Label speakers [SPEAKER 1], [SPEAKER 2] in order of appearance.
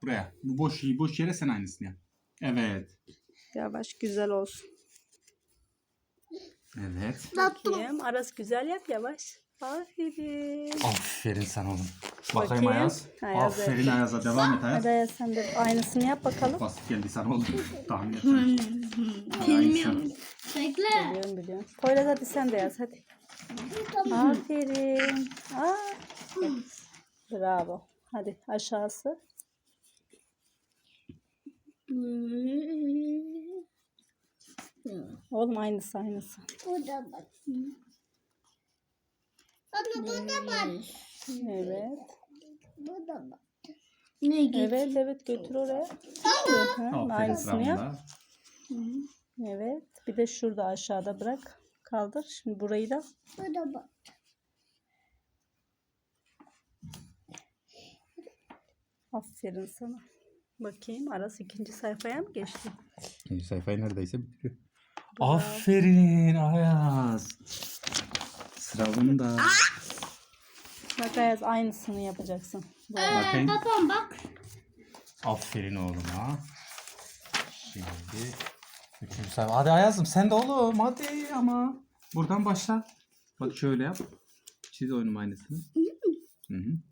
[SPEAKER 1] buraya. Bu boş yere sen aynısını yap. Evet.
[SPEAKER 2] Yavaş, güzel olsun.
[SPEAKER 1] Evet.
[SPEAKER 2] Bakayım. Aras güzel yap, yavaş. Aferin.
[SPEAKER 1] Aferin sana oğlum. Bakayım
[SPEAKER 2] Bakayım.
[SPEAKER 1] Ayaz.
[SPEAKER 2] Ayaz,
[SPEAKER 1] Aferin
[SPEAKER 2] evet.
[SPEAKER 1] Ayaz'a. Devam et Ayaz.
[SPEAKER 2] Hadi Ayaz, sen de aynısını yap bakalım.
[SPEAKER 1] Basit geldi sana oğlum. Tahmin etmedim. Bilmiyorum.
[SPEAKER 3] Bekle.
[SPEAKER 2] Biliyorum. Poyraz, hadi sen de yaz, hadi. Aferin. Bravo. Hadi aşağısı. Oğlum aynısı.
[SPEAKER 3] Bu da bak. Baba bu da bak.
[SPEAKER 2] Evet.
[SPEAKER 3] Bu da bak. Ne getir?
[SPEAKER 2] Evet, götür oraya.
[SPEAKER 1] Aferin
[SPEAKER 2] Aynısını yap.
[SPEAKER 1] Sıramda.
[SPEAKER 2] Evet. Bir de şurada aşağıda bırak. Kaldır. Şimdi burayı da.
[SPEAKER 3] Bu da bak.
[SPEAKER 2] Aferin sana. Bakayım, Aras ikinci sayfaya mı geçti?
[SPEAKER 1] İkinci sayfayı neredeyse bitiriyor. Aferin Ayaz. Sıra bunda.
[SPEAKER 2] Bak Ayaz, aynısını yapacaksın.
[SPEAKER 1] Bakayım.
[SPEAKER 3] Babam bak.
[SPEAKER 1] Aferin oğluma. Şimdi üçüncü sayfa. Hadi Ayaz'ım sen de oğlum hadi ama. Buradan başla. Bak şöyle yap. Çiz oyunun aynısını. Hı hı.